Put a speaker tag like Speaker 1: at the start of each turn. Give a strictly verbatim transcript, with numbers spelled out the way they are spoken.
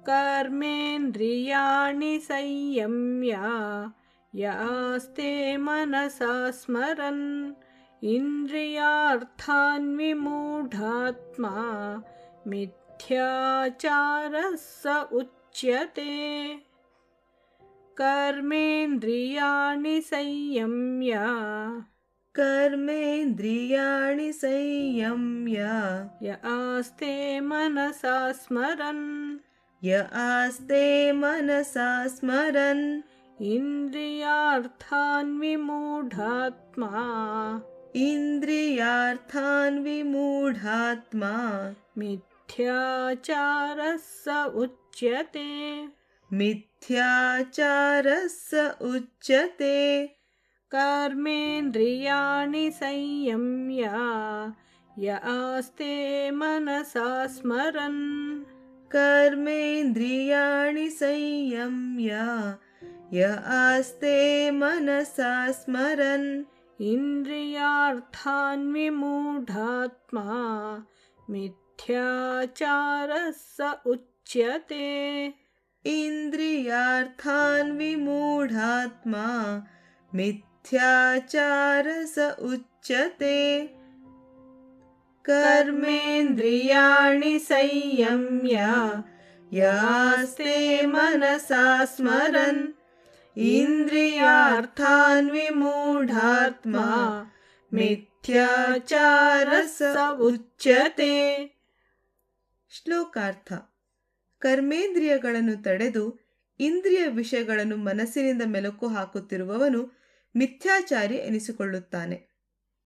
Speaker 1: कर्मेन्द्रियाणि संयम्य य आस्ते मनसा स्मरन् इन्द्रियार्थान् विमूढात्मा मिथ्याचारः स उच्यते। कर्मेन्द्रियाणि संयम्य
Speaker 2: कर्मेन्द्रियाणि संयम्य
Speaker 1: य आस्ते मनसा स्मरन्
Speaker 2: य आस्ते मनसा स्मरन्
Speaker 1: इन्द्रियार्थान् विमूढात्मा
Speaker 2: इन्द्रियार्थान् विमूढात्मा
Speaker 1: मिथ्याचारः स उच्यते।
Speaker 2: मिथ्याचारः स उच्यते।
Speaker 1: कर्मेन्द्रियाणि संयम्य य आस्ते मनसा स्मरन्
Speaker 2: कर्मेन्द्रियाणि संयम्य य आस्ते मनसा स्मरन्
Speaker 1: इन्द्रियार्थान् विमूढात्मा मिथ्याचारः स उच्यते।
Speaker 2: इन्द्रियार्थान् विमूढात्मा मिथ्याचारः स उच्यते। कर्मेन्द्रियाणि संयम्य य आस्ते मनसा स्मरन् इन्द्रियार्थान् विमूढात्मा मिथ्याचारः स उच्यते। ಶ್ಲೋಕಾರ್ಥ. ಕರ್ಮೇಂದ್ರಿಯಗಳನ್ನು ತಡೆದು ಇಂದ್ರಿಯ ವಿಷಯಗಳನ್ನು ಮನಸ್ಸಿನಿಂದ ಮೆಲುಕು ಹಾಕುತ್ತಿರುವವನು ಮಿಥ್ಯಾಚಾರಿ ಎನಿಸಿಕೊಳ್ಳುತ್ತಾನೆ.